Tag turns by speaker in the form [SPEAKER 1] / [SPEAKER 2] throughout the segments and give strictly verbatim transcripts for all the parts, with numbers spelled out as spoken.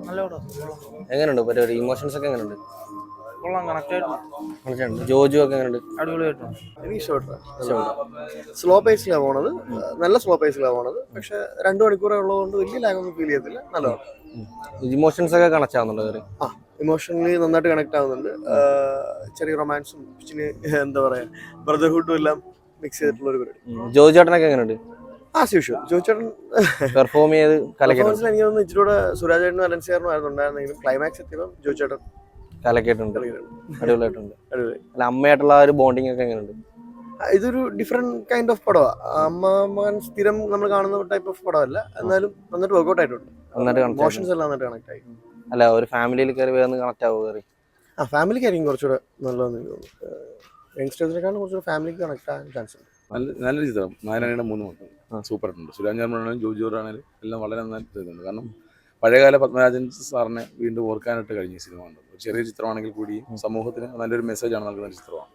[SPEAKER 1] നല്ല പടം.
[SPEAKER 2] എങ്ങനെയുണ്ട് പരിപാടി? ഇമോഷൻസ് ഒക്കെ എങ്ങനെയുണ്ട്?
[SPEAKER 1] കൊള്ളാം, കണക്ട് ആയിട്ടുണ്ട്.
[SPEAKER 2] ജോജു ഒക്കെ എങ്ങനെയുണ്ട്?
[SPEAKER 1] അടിപൊളിയായിട്ടുണ്ട്.
[SPEAKER 3] എനിക്ക് ഇഷ്ടപ്പെട്ടു. സ്ലോ പേസിലാണ് പോണത്, നല്ല സ്ലോ പേസിലാണ് പോണത്. പക്ഷെ രണ്ടു മണിക്കൂറേ ഉള്ളതുകൊണ്ട് വലിയ ലാഗൊന്നും ഫീൽ ചെയ്യത്തില്ല. നല്ലതാണ്.
[SPEAKER 2] ഇമോഷൻസ് ഒക്കെ കണക്ട് ആവുന്നുണ്ടോ?
[SPEAKER 3] ആ ഇമോഷണലി നന്നായിട്ട് കണക്ട് ആവുന്നുണ്ട്. ചെറിയ റൊമാൻസും എന്താ പറയാ ബ്രദർഹുഡും എല്ലാം മിക്സ് ചെയ്തിട്ടുള്ള ഒരു പരിപാടി.
[SPEAKER 2] ജോജു ചേട്ടനൊക്കെ എങ്ങനെയുണ്ട്?
[SPEAKER 3] ആസ് യൂഷ്വൽ ജോജു ചേട്ടൻ
[SPEAKER 2] പെർഫോം ചെയ്ത് കലക്കിട്ടുണ്ട്.
[SPEAKER 3] എനിക്ക് തോന്നുന്നു ഇച്ചിരൂടെ സുരാജ് ചേട്ടനും അലൻസിയാറിനും ആയിരുന്നു ഉണ്ടായിരുന്നെങ്കിലും ക്ലൈമാക്സ് എത്തിയപ്പോൾ ജോജു ചേട്ടൻ
[SPEAKER 2] കലക്കിയിട്ടുണ്ട്. അടിപൊളിയായിട്ടുണ്ട്. അല്ല, അമ്മയായിട്ടുള്ള ആ ഒരു ബോണ്ടിങ് ഒക്കെ എങ്ങനെയുണ്ട്?
[SPEAKER 3] ഇതൊരു ഡിഫറെന്റ് കൈൻഡ് ഓഫ് പടമാണ്. അമ്മ മകൻ സ്ഥിരം നമ്മൾ കാണുന്ന ടൈപ്പ് ഓഫ് പടമല്ല, എന്നാലും നന്നായിട്ട് വർക്ക്ഔട്ട് ആയിട്ടുണ്ട്. ഇമോഷൻസ് എല്ലാം നന്നായിട്ട് കണക്ട് ആയി.
[SPEAKER 2] അല്ല, ഒരു ഫാമിലിയിൽ കയറി വേഗം കണക്ട് ആവുക കയറി.
[SPEAKER 3] ആ ഫാമിലിക്കായിരിക്കും കുറച്ചുകൂടെ നല്ലതെന്ന് എനിക്ക് തോന്നുന്നു. യങ്സ്റ്റേഴ്സിനെക്കാളും കുറച്ചുകൂടെ ഫാമിലിക്ക് കണക്ട് ആകാൻ ചാൻസ് ഉണ്ട്.
[SPEAKER 4] നല്ല നല്ലൊരു ചിത്രം. നാരായണയുടെ മൂന്ന് മക്കൾ സൂപ്പർ ആയിട്ടുണ്ട്. സുരാജ് ആണെങ്കിലും ജോജു ആണെങ്കിലും എല്ലാം വളരെ നന്നായിട്ട് ചെയ്തിട്ടുണ്ട്. കാരണം പഴയകാല പത്മരാജൻ സാറിനെ വീണ്ടും ഓർക്കാനായിട്ട് കഴിഞ്ഞ സിനിമ ഉണ്ട്. ഒരു ചെറിയ ചിത്രമാണെങ്കിൽ കൂടിയും സമൂഹത്തിന് നല്ലൊരു മെസ്സേജാണ് നൽകുന്ന ചിത്രമാണ്.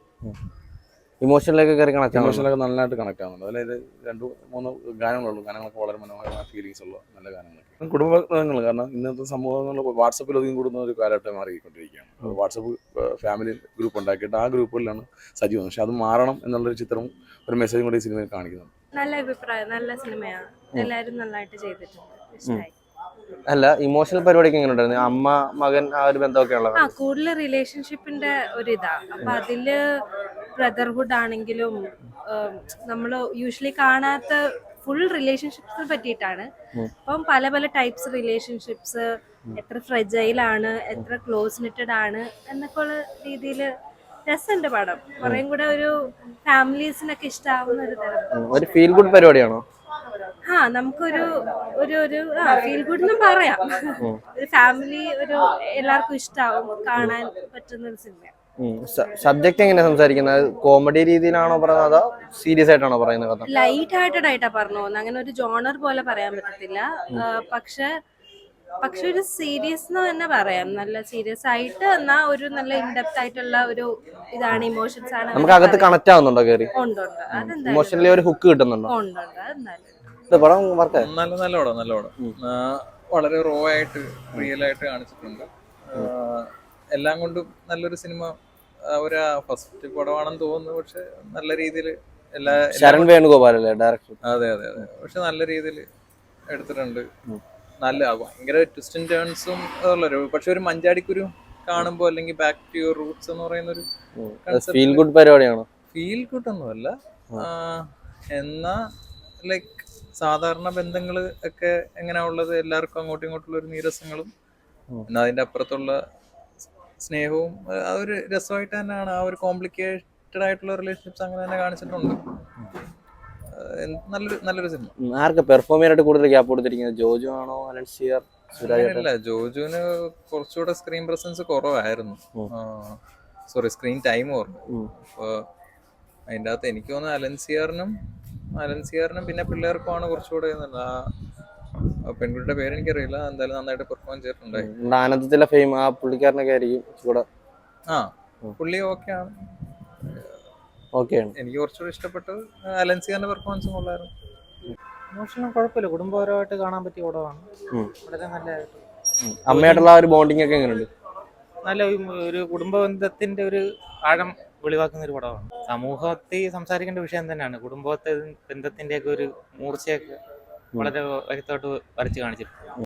[SPEAKER 2] ഇമോഷനിലേക്ക് കയറി കണക്ട്
[SPEAKER 4] ഇമോഷനിലൊക്കെ നന്നായിട്ട് കണക്ട് ആവുന്നുണ്ട്. അതായത് രണ്ട് മൂന്ന് ഗാനങ്ങളുള്ളൂ. ഗാനങ്ങളൊക്കെ വളരെ മനോഹരമായ ഫീലിങ്സ് ഉള്ള നല്ല ഗാനങ്ങളൊക്കെ. കുടുംബങ്ങൾ, കാരണം ഇന്നത്തെ സമൂഹങ്ങളിൽ വാട്സപ്പിൽ ഒതുങ്ങി കൂടുന്ന ഒരു കാലഘട്ടം മാറിക്കൊണ്ടിരിക്കുകയാണ്. വാട്സപ്പ് ഫാമിലി ഗ്രൂപ്പ് ഉണ്ടാക്കിയിട്ട് ആ ഗ്രൂപ്പുകളിലാണ് സജീവം. പക്ഷെ അത് മാറണം എന്നുള്ളൊരു ചിത്രവും ഒരു മെസ്സേജും കൂടി ഈ സിനിമയിൽ കാണിക്കുന്നുണ്ട്.
[SPEAKER 5] നല്ല അഭിപ്രായം, നല്ല സിനിമയാണ്. എല്ലാവരും നന്നായിട്ട് ചെയ്തിട്ടുണ്ട്. ഇഷ്ടമായി.
[SPEAKER 2] അല്ല, ഇമോഷണൽ പരിപാടിക്ക് എങ്ങനെ ഉണ്ടായിരുന്നു? അമ്മ മകൻ ആ ഒരു ബന്ധമൊക്കെ ഉള്ളത്?
[SPEAKER 5] ആ കൂടുതൽ റിലേഷൻഷിപ്പിന്റെ ഒരു ഇതാ. അപ്പൊ അതില് ബ്രദർഹുഡ് ആണെങ്കിലും നമ്മൾ യൂഷ്വലി കാണാത്ത ഫുൾ റിലേഷൻഷിപ്സിനെ പറ്റിയിട്ടാണ്. അപ്പം പല പല ടൈപ്സ് റിലേഷൻഷിപ്സ്, എത്ര ഫ്രെജൈലാണ്, എത്ര ക്ലോസ് നിറ്റഡ് ആണ് എന്നൊക്കെ ഉള്ള രീതിയിൽ രസമുണ്ട് പടം. കുറേം കൂടെ ഒരു ഫാമിലീസിനൊക്കെ ഇഷ്ടാവുന്ന ഒരു തരം
[SPEAKER 2] ഒരു ഫീൽ ഗുഡ് പരിപാടിയാണോ?
[SPEAKER 5] ആ നമുക്കൊരു ഒരു ഒരു ആ ഫീൽ ഗുഡ് എന്നും പറയാം. ഒരു ഫാമിലി, ഒരു എല്ലാവർക്കും ഇഷ്ടാവും, കാണാൻ പറ്റുന്ന ഒരു സിനിമ.
[SPEAKER 2] സബ്ജക്ട് എങ്ങനെയാ സംസാരിക്കുന്നത്? കോമഡി രീതിയിലാണോ പറയുന്നത്, അതോ സീരിയസ് ആയിട്ടാണോ പറയുന്നത് കഥ?
[SPEAKER 5] ലൈറ്റ് ഹാർട്ടഡ് ആയിട്ടാ പറഞ്ഞു പോകുന്നത്. അങ്ങനെ ഒരു ജോണർ പോലെ പറയാൻ പറ്റത്തില്ല. പക്ഷെ പക്ഷെ ഒരു സീരിയസ് എന്ന് തന്നെ പറയാം. നല്ല സീരിയസ് ആയിട്ട് എന്നാ ഒരു നല്ല ഇൻഡെപ്ത് ആയിട്ടുള്ള ഒരു ഇതാണ്. ഇമോഷൻസ് ആണ്.
[SPEAKER 2] നമുക്ക് അകത്ത് കണക്ട് ആവുന്നുണ്ടോ കയറി?
[SPEAKER 5] ഉണ്ട് ഉണ്ട്. അതെന്തായാലും
[SPEAKER 2] ഇമോഷണലി ഒരു ഹുക്ക് കിട്ടുന്നുണ്ടോ?
[SPEAKER 5] ഉണ്ട് ഉണ്ട്. അതെന്തായാലും
[SPEAKER 2] പടം വർക്ക്
[SPEAKER 6] നല്ല നല്ല പടം നല്ല പടം വളരെ റോ ആയിട്ട് റിയൽ ആയിട്ട് കാണിച്ചിട്ടുണ്ട്. എല്ലാം കൊണ്ടും നല്ലൊരു സിനിമ. ഒരു ഫസ്റ്റ് പടമാണെന്ന് തോന്നുന്നു, പക്ഷെ നല്ല രീതിയിൽ എല്ലാ
[SPEAKER 2] ശരൺ വേണുഗോപാലല്ലേ ഡയറക്ടർ?
[SPEAKER 6] അതെ അതെ അതെ പക്ഷെ നല്ല രീതിയിൽ എടുത്തിട്ടുണ്ട്. നല്ല ഭയങ്കര ട്വിസ്റ്റും ടേൺസും ഉള്ളൊരു, പക്ഷെ ഒരു മഞ്ചാടിക്കുരു കാണുമ്പോൾ അല്ലെങ്കിൽ ബാക്ക് ടു യുവർ റൂട്ട്സ് എന്ന് പറയുന്ന ഒരു
[SPEAKER 2] ഫീൽ ഗുഡ് പരിപാടിയാണോ?
[SPEAKER 6] ഫീൽ ഗുഡ് ഒന്നുമല്ല, എന്നാ ലൈക്ക് സാധാരണ ബന്ധങ്ങൾ ഒക്കെ എങ്ങനെയാ ഉള്ളത്, എല്ലാവർക്കും അങ്ങോട്ടും ഇങ്ങോട്ടുള്ള ഒരു നീരസങ്ങളും എന്നാൽ അതിന്റെ അപ്പുറത്തുള്ള സ്നേഹവും ആ ഒരു രസമായിട്ട് തന്നെയാണ്. ആ ഒരു കോംപ്ലിക്കേറ്റഡ് ആയിട്ടുള്ള റിലേഷൻഷിപ്സ് അങ്ങനെ തന്നെ കാണിച്ചിട്ടുണ്ട്. നല്ലൊരു നല്ലൊരു സിനിമ.
[SPEAKER 2] ആർക്ക് പെർഫോം ചെയ്യാനായിട്ട് കൂടുതൽ ഗ്യാപ്പ് കൊടുത്തിരിക്കുന്നത്? ജോജു ആണോ, അലൻസിയർ, സുരാജ്?
[SPEAKER 6] ഇല്ല, ജോജുവിന് കുറച്ചുകൂടെ സ്ക്രീൻ പ്രസൻസ് കുറവായിരുന്നു. സോറി, സ്ക്രീൻ ടൈം കുറവ്. അപ്പൊ അതിൻ്റെ അകത്ത് എനിക്ക് തോന്നുന്നു അലൻസിയറിനും അലൻസിയറിനും പിന്നെ പിള്ളേർക്കുമാണ് കുറച്ചുകൂടെ. ആ പെൺകുട്ടിയുടെ പേര് എനിക്കറിയില്ല, എന്തായാലും നന്നായിട്ട് പെർഫോം ചെയ്തിട്ടുണ്ടായി.
[SPEAKER 2] ആനന്ദത്തിലെ ഫെയിം ആ പുള്ളിക്കാരനൊക്കെ ആയിരിക്കും കൂടെ.
[SPEAKER 6] ആ പുള്ളി ഓക്കെയാണ്.
[SPEAKER 2] ഓക്കെയാണ്.
[SPEAKER 6] എനിക്ക് കുറച്ചുകൂടി ഇഷ്ടപ്പെട്ടത് അലൻസിയറിന്റെ പെർഫോമൻസും കൊള്ളായിരുന്നു.
[SPEAKER 1] ഇമോഷനും കുഴപ്പമില്ല, കുടുംബപരമായിട്ട് കാണാൻ പറ്റിയ പടമാണ്. വളരെ നല്ലതായിട്ട്.
[SPEAKER 2] അമ്മയായിട്ടുള്ള ആ ഒരു ബോണ്ടിങ് ഒക്കെ എങ്ങനെയുണ്ട്?
[SPEAKER 1] നല്ല ഒരു കുടുംബ ബന്ധത്തിന്റെ ഒരു ആഴം വെളിവാക്കുന്ന ഒരു പടമാണ്. സമൂഹത്തിൽ സംസാരിക്കേണ്ട വിഷയം തന്നെയാണ്. കുടുംബത്തെ ബന്ധത്തിന്റെ ഒക്കെ ഒരു മൂർച്ചയൊക്കെ വളരെ വ്യക്തമായിട്ട് വരച്ച് കാണിച്ചിട്ടുണ്ട്.